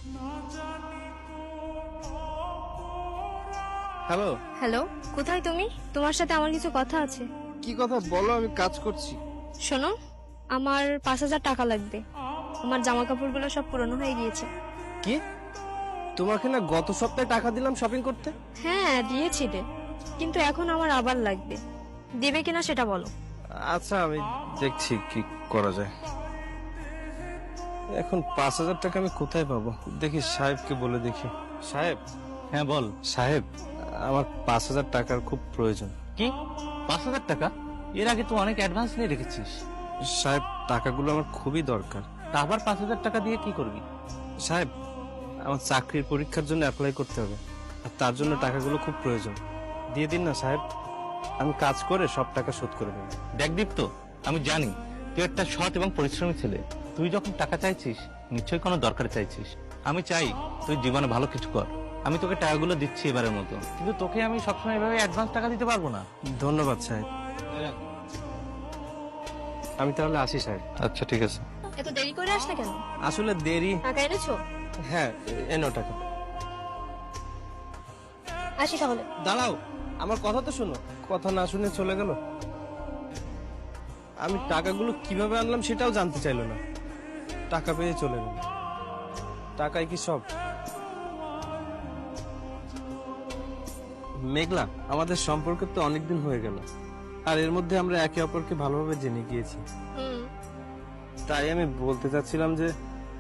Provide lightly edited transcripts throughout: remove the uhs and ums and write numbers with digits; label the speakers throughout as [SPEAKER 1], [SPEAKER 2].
[SPEAKER 1] Hello.
[SPEAKER 2] Hello, কোথায় তুমি? তোমার সাথে আমার কিছু কথা আছে।
[SPEAKER 1] কি কথা বলো, আমি কাজ করছি।
[SPEAKER 2] শোনো, আমার 5,000 টাকা লাগবে। আমার জামা কাপড়গুলো সব পুরনো হয়ে গিয়েছে।
[SPEAKER 1] কি? তোমাকে না গত সপ্তাহে টাকা দিলাম শপিং করতে?
[SPEAKER 2] হ্যাঁ, দিয়েছিলে, কিন্তু এখন আমার আবার লাগবে। দেবে কিনা সেটা বলো।
[SPEAKER 1] আচ্ছা, আমি দেখছি কি করা যায়। এখন 5,000 টাকা আমি কোথায় পাবো? দেখি সাহেবকে বলে দেখি। সাহেব।
[SPEAKER 3] হ্যাঁ বল।
[SPEAKER 1] সাহেব, আমার 5,000 টাকার খুব প্রয়োজন।
[SPEAKER 3] কি 5,000 টাকা? এর আগে তো অনেক অ্যাডভান্স নিয়ে রেখেছিস।
[SPEAKER 1] সাহেব, টাকাগুলো আমার খুবই দরকার।
[SPEAKER 3] তা আবার 5,000 টাকা দিয়ে কি করবি?
[SPEAKER 1] সাহেব, আমার চাকরির পরীক্ষার জন্য অ্যাপ্লাই করতে হবে, আর তার জন্য টাকাগুলো খুব প্রয়োজন। দিয়ে দিন না সাহেব, আমি কাজ করে সব টাকা শোধ করে দেবো।
[SPEAKER 3] দেখ দীপ্ত, আমি জানি তুই একটা সৎ এবং পরিশ্রমী ছেলে। তুই যখন টাকা চাইছিস নিশ্চয়ই কোনো দরকার চাইছিস। আমি চাই তুই জীবনে ভালো কিছু কর। আমি তোকে টাকাগুলো দিচ্ছি এবারের মতো, কিন্তু তোকে আমি সবসময় এভাবে অ্যাডভান্স টাকা দিতে পারবো না।
[SPEAKER 1] ধন্যবাদ সাহেব। আমি তাহলে আসি সাহেব।
[SPEAKER 3] আচ্ছা ঠিক আছে।
[SPEAKER 2] এত দেরি করে আসলে কেন?
[SPEAKER 1] আসলে দেরি।
[SPEAKER 2] টাকা এনেছো?
[SPEAKER 1] হ্যাঁ, এনো টাকা।
[SPEAKER 2] আসি তাহলে।
[SPEAKER 1] দাঁড়াও, আমার কথা তো শোনো। কথা না শুনে চলে গেল। আমি টাকাগুলো কিভাবে আনলাম সেটাও জানতে চাইলো না। টাকা পেয়ে চলে গেল। টাকাই কি সব? মেঘলা, আমাদের সম্পর্ক তো অনেকদিন হয়ে গেল, আর এর মধ্যে আমরা একে অপরকে ভালোভাবে জেনে গিয়েছি। তাই আমি বলতে চাচ্ছিলাম যে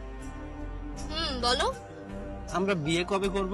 [SPEAKER 2] বলো।
[SPEAKER 1] আমরা বিয়ে কবে করব?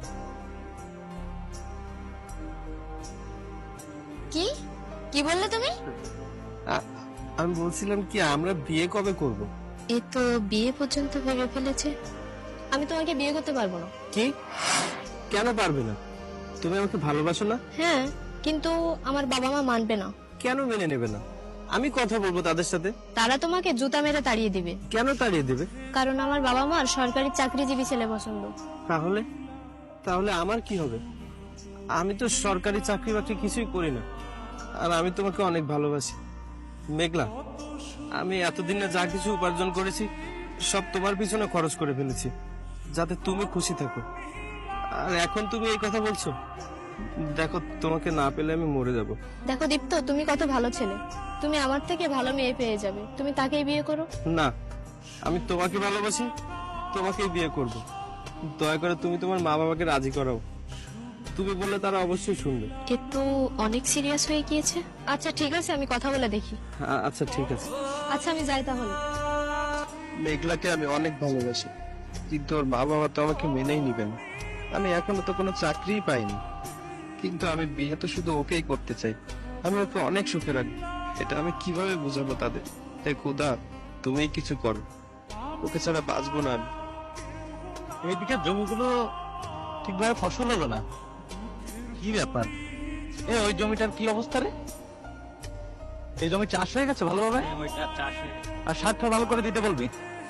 [SPEAKER 2] কি কি বললে তুমি?
[SPEAKER 1] আমি বলছিলাম কি, আমরা বিয়ে কবে করব?
[SPEAKER 2] এ তো বিয়ে পর্যন্ত ভেবে ফেলেছে। আমি তোমাকে বিয়ে করতে পারবো না।
[SPEAKER 1] কি? কেন পারবে না? তুমি আমাকে ভালোবাসো না?
[SPEAKER 2] হ্যাঁ, কিন্তু আমার বাবা মা মানবে না।
[SPEAKER 1] কেন মেনে নেবে না? আমি কথা বলবো তাদের সাথে।
[SPEAKER 2] তারা তোমাকে জুতা মেরে তাড়িয়ে দিবে।
[SPEAKER 1] কেন তাড়িয়ে দেবে?
[SPEAKER 2] কারণ আমার বাবা মার সরকারি চাকরিজীবী ছেলে পছন্দ।
[SPEAKER 1] তাহলে তাহলে আমার কি হবে? আমি তো সরকারি চাকরি বাকরি কিছুই করি না, আর আমি তোমাকে অনেক ভালোবাসি। মেঘলা, আমি এতদিনে যা কিছু উপার্জন করেছি সব তোমার পিছনে খরচ করে ফেলেছি, যাতে তুমি খুশি থাকো। আর এখন তুমি এই কথা বলছো? দেখো, তোমাকে না পেলে আমি মরে যাব।
[SPEAKER 2] দেখো দীপ্ত, তুমি কত ভালো ছেলে। তুমি আমার থেকে ভালো মেয়ে পেয়ে যাবে, তুমি তাকেই বিয়ে করো।
[SPEAKER 1] না, আমি তোমাকে ভালোবাসি, তোমাকেই বিয়ে করব। দয়া করে তুমি তোমার মা বাবাকে রাজি করাও। তুমি বললে তারা অবশ্যই শুনবে।
[SPEAKER 2] এ তো অনেক সিরিয়াস হয়ে গিয়েছে। আচ্ছা ঠিক আছে, আমি কথা বলে দেখি।
[SPEAKER 1] আচ্ছা ঠিক আছে।
[SPEAKER 2] আচ্ছা আমি যাই তাহলে।
[SPEAKER 1] মেঘলাকে আমি অনেক ভালোবাসি, কিন্তু ওর মা বাবা তো আমাকে মেনেই নিবে না। আমি এখনো তো কোনো চাকরিই পাইনি, কিন্তু আমি বিয়ে তো শুধু ওকেই করতে চাই। আমি ওকে অনেক সুখে রাখবো। এটা আমি কিভাবে বুঝাবো তাদের? তাই খোদা, তুমি কিছু করো, ওকে ছাড়া বাঁচবো না আমি।
[SPEAKER 3] এইদিকে জমিগুলো ঠিকভাবে ফসল হলো না, কি ব্যাপার? ওই জমিটার কি অবস্থা রে? এই জমি চাষ হয়ে গেছে ভালোভাবে? আর সারটা ভালো করে দিতে বলবি।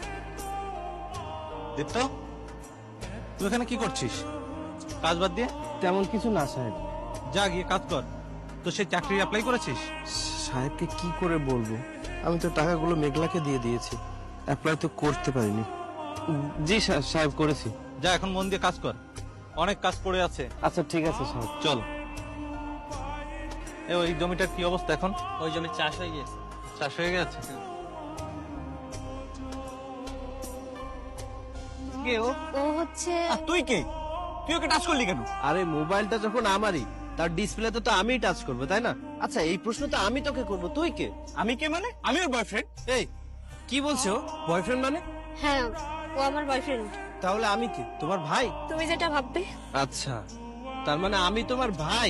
[SPEAKER 3] দীপ্ত, তুই এখানে কি করছিস কাজ বাদ দিয়ে?
[SPEAKER 1] তেমন কিছু না সাহেব।
[SPEAKER 3] যা গিয়ে কাজ কর। তো সেই চাকরি অ্যাপ্লাই করেছিস?
[SPEAKER 1] সাহেবকে কি করে বলবো? আমি তো টাকাগুলো মেঘলাকে দিয়ে দিয়েছি, অ্যাপ্লাই তো করতে পারিনি। জি সাহেব, করেছি।
[SPEAKER 3] যা এখন মন দিয়ে কাজ কর, অনেক কাজ পড়ে আছে।
[SPEAKER 1] আচ্ছা ঠিক আছে সাহেব।
[SPEAKER 3] চল। ওই জমিটার কি অবস্থা এখন?
[SPEAKER 4] ওই জমি চাষ হয়ে গেছে।
[SPEAKER 3] চাষ হয়ে গেছে? কে ও?
[SPEAKER 2] ও হচ্ছে
[SPEAKER 3] আর তুই কে? তুই ওকে টাচ করলি কেন?
[SPEAKER 1] আরে মোবাইলটা যখন আমারই, তার ডিসপ্লেতে তো আমিই টাচ করবো, তাই না? আচ্ছা, এই প্রশ্ন তো আমি তোকে করবো, তুই কে?
[SPEAKER 3] আমি কে মানে? আমি ওর বয়ফ্রেন্ড।
[SPEAKER 1] এই কি বলছো? বয়ফ্রেন্ড মানে?
[SPEAKER 2] হ্যাঁ, ও আমার বয়ফ্রেন্ড।
[SPEAKER 1] তাহলে আমি কি তোমার ভাই?
[SPEAKER 2] তুমি যেটা ভাববে।
[SPEAKER 1] আচ্ছা, তার মানে আমি তোমার ভাই।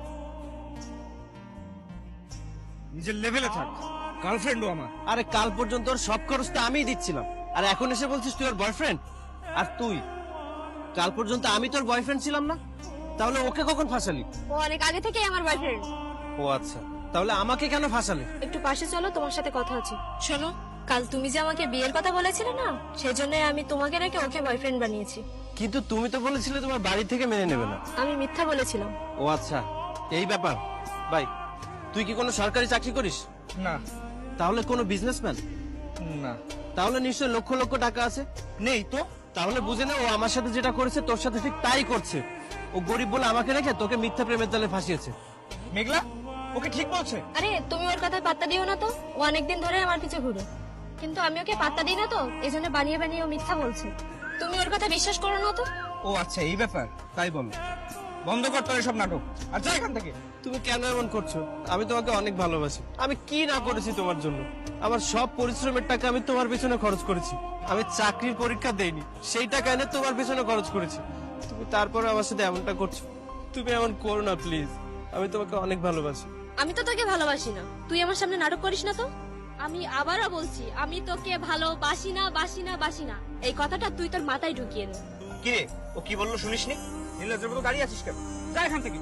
[SPEAKER 3] নিজের লেভেলে থাক, গার্লফ্রেন্ডও আমার।
[SPEAKER 1] আরে কাল পর্যন্ত ওর সব খরচ তো আমিই দিচ্ছিলাম, আর এখন এসে বলছিস তুই ওর বয়ফ্রেন্ড? আর তুই, কাল পর্যন্ত আমি তোর বয়ফ্রেন্ড ছিলাম না? তাহলে ওকে কখন ফাঁসালি?
[SPEAKER 2] ও অনেক আগে থেকেই আমার বয়ফ্রেন্ড।
[SPEAKER 1] ও আচ্ছা, তাহলে আমাকে কেন ফাঁসালি?
[SPEAKER 2] একটু পাশে চলো, তোমার সাথে কথা আছে। শোনো, কাল তুমি যে আমাকে বিয়ের কথা বলেছিলে না, সেজন্য আমি তোমাকে রেখে ওকে বয়ফ্রেন্ড বানিয়েছি।
[SPEAKER 1] কিন্তু তুমি তো বলেছিলে তোমার বাড়ি থেকে মেনে নেবে না।
[SPEAKER 2] আমি মিথ্যা বলেছিলাম।
[SPEAKER 1] ও আচ্ছা, এই ব্যাপার। ভাই, তুই কি কোনো সরকারি চাকরি করিস?
[SPEAKER 3] না।
[SPEAKER 1] তাহলে কোনো বিজনেসম্যান?
[SPEAKER 3] না।
[SPEAKER 1] তাহলে নিশ্চয় লক্ষ লক্ষ টাকা আছে।
[SPEAKER 3] নেই তো।
[SPEAKER 1] তাহলে বুঝে না ও আমার সাথে যেটা করেছে তোর সাথে ঠিক তাই করছে। ও গরিব বলে আমাকে রেখে তোকে মিথ্যা প্রেমের জালে ফাঁসিয়েছে।
[SPEAKER 4] মেঘলা ওকে ঠিক বলছে।
[SPEAKER 2] আরে তুমি ওর কথায় পাত্তা দিও না তো, ও অনেকদিন ধরে আমার পিছে ঘুরে, কিন্তু আমি ওকে পাত্তা দিই না তো, এজন্য বানিয়ে বানিয়ে ও মিথ্যা বলছে। তুমি ওর কথা বিশ্বাস করো না তো।
[SPEAKER 4] ও আচ্ছা এই ব্যাপার, তাই বল। বন্ধ কর তোর সব নাটক আর যা এখান থেকে।
[SPEAKER 1] তুমি কেন এমন করছো? আমি তোমাকে অনেক ভালোবাসি। আমি কি না করেছি তোমার জন্য? আমার সব পরিশ্রমের টাকা আমি তোমার পেছনে খরচ করেছি। আমি চাকরির পরীক্ষা দেইনি, সেই টাকা এনে তোমার পেছনে খরচ করেছি। তুমি তারপরে আমার সাথে এমনটা করছো। তুমি এমন করো না প্লিজ, আমি তোমাকে অনেক ভালোবাসি।
[SPEAKER 2] আমি তো তোকে ভালোবাসি না, তুই আমার সামনে নাটক করিস না তো। আমি আবারও বলছি, আমি তোকে ভালোবাসি না, বাসি না, বাসি না। এই কথাটা তুই তোর মাথায় ঢুকিয়ে নে।
[SPEAKER 4] কি রে ও কি বললো শুনিসনি? নীলাজের মতো দাঁড়িয়ে আছিস কেন? যা এখান থেকে।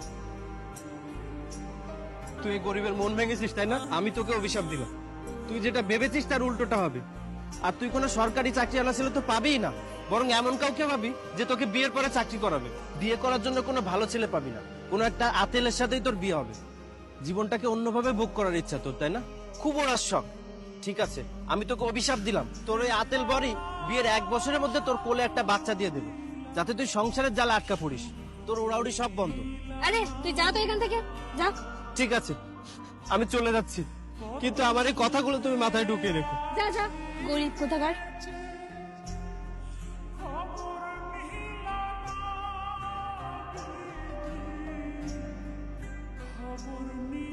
[SPEAKER 1] তুই এই গরিবের মন ভেঙেছিস তাই না? আমি তোকে অভিশাপ দিলাম। তুই যেটা ভেবেছিস তার উল্টোটা হবে। আর তুই কোনো সরকারি চাকরিওয়ালা ছেলে তো পাবিই না, বরং এমন কাউকে পাবি যে তোকে বিয়ের পরে চাকরি করাবে। বিয়ে করার জন্য কোনো ভালো ছেলে পাবি না, কোনো একটা আতেলের সাথেই তোর বিয়ে হবে। জীবনটাকে অন্যভাবে ভোগ করার ইচ্ছা তোর, তাই না? খুব ওরাস শখ। ঠিক আছে, আমি তোকে অভিশাপ দিলাম, তোর ওই আতেল বরই বিয়ের 1 বছরের মধ্যে তোর কোলে একটা বাচ্চা দিয়ে দেবে, যাতে তুই সংসারের জালে আটকা পড়িস। তোর ওড়াউড়ি সব বন্ধ।
[SPEAKER 2] আরে তুই যা তো এখান থেকে, যা।
[SPEAKER 1] ঠিক আছে, আমি চলে যাচ্ছি, কিন্তু আমার এই কথাগুলো তুমি মাথায় ঢুকিয়ে রেখো।
[SPEAKER 2] যা যা, গরিব কোথাকার।
[SPEAKER 5] খবর